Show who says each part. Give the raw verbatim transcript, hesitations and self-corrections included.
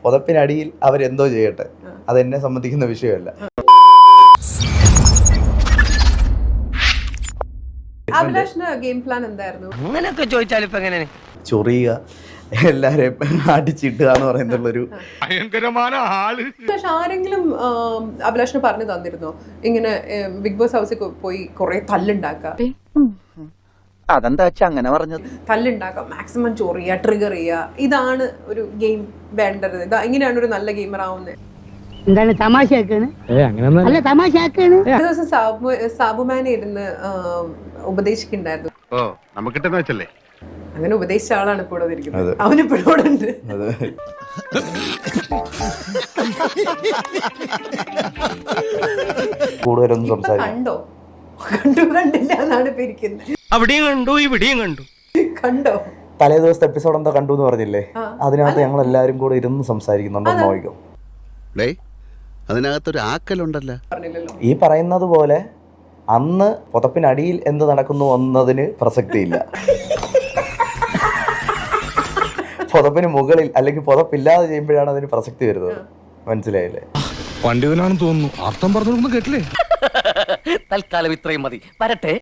Speaker 1: പുതപ്പിനടിയിൽ അവരെന്തോ ചെയ്യട്ടെ, അതെന്നെ സംബന്ധിക്കുന്ന വിഷയമല്ല.
Speaker 2: ഗെയിം പ്ലാൻ എന്തായിരുന്നു?
Speaker 3: അങ്ങനെയൊക്കെ ചോദിച്ചാൽ ഇപ്പൊ എങ്ങനെ
Speaker 1: ചൊറിയുക, എല്ലാരെയും അടിച്ചിട്ടുക എന്ന് പറയുന്നുള്ളൊരു
Speaker 4: ഭയങ്കരമായ ആള്.
Speaker 2: പക്ഷെ ആരെങ്കിലും അഭിലാഷിന് പറഞ്ഞു തന്നിരുന്നോ ഇങ്ങനെ ബിഗ് ബോസ് ഹൗസിൽ പോയി കുറെ തല്ലുണ്ടാക്കാം?
Speaker 5: അതെന്താ വെച്ചാ അങ്ങനെ പറഞ്ഞത്?
Speaker 2: തല്ലുണ്ടാക്കാം, മാക്സിമം ചൊറിയുക, ട്രിഗർ ചെയ്യുക, ഇതാണ് ഒരു ഗെയിം വേണ്ടത്, ഇതാ ഇങ്ങനെയാണ് ഒരു നല്ല ഗെയിമർ ആവുന്നത്.
Speaker 6: എന്താണ് തമാശയാക്കാണ്? അല്ല തമാശയാക്കാണ്.
Speaker 2: ഒരു ദിവസം സാബു സാബുമാനെ ഇരുന്ന് ഉപദേശിക്കുന്നുണ്ടായിരുന്നു.
Speaker 4: ഓ നമുക്ക് കിട്ടുന്ന വെച്ചല്ലേ,
Speaker 2: അങ്ങനെ ഉപദേശിച്ച ആളാണ് ഇപ്പോൾ ഇവിടെ ഇരിക്കുന്നത്. അവനിപ്പോഴും ഇവിടെ ഉണ്ട്.
Speaker 1: കൂടുതലൊന്നും സംസാരിക്കും.
Speaker 2: കണ്ടോ? കണ്ടു കണ്ടില്ല എന്നാണ് ഇപ്പൊ ഇരിക്കുന്നത്.
Speaker 3: അവിടെയും കണ്ടു ഇവിടെയും കണ്ടു.
Speaker 2: കണ്ടോ?
Speaker 1: തലേ ദിവസത്തെ എപ്പിസോഡ് എന്താ കണ്ടു എന്ന് പറഞ്ഞില്ലേ, അതിനകത്ത് ഞങ്ങൾ എല്ലാരും കൂടെ ഇരുന്ന് സംസാരിക്കുന്നുണ്ടോ നോക്കിക്കോ.
Speaker 7: അതിനകത്തൊരു ആക്കലുണ്ടല്ലോ.
Speaker 1: ഈ പറയുന്നത് പോലെ അന്ന് പുതപ്പിനടിയിൽ എന്ത് നടക്കുന്നു എന്നതിന് പ്രസക്തിയില്ല. പുതപ്പിന് മുകളിൽ അല്ലെങ്കിൽ പുതപ്പില്ലാതെ ചെയ്യുമ്പോഴാണ് അതിന് പ്രസക്തി വരുന്നത്. മനസ്സിലായില്ലേ?
Speaker 4: പണ്ഡിതനാണെന്ന് തോന്നുന്നു, അർത്ഥം പറഞ്ഞു കേട്ടില്ലേ?
Speaker 3: തൽക്കാലം ഇത്രയും മതി. വരട്ടെ.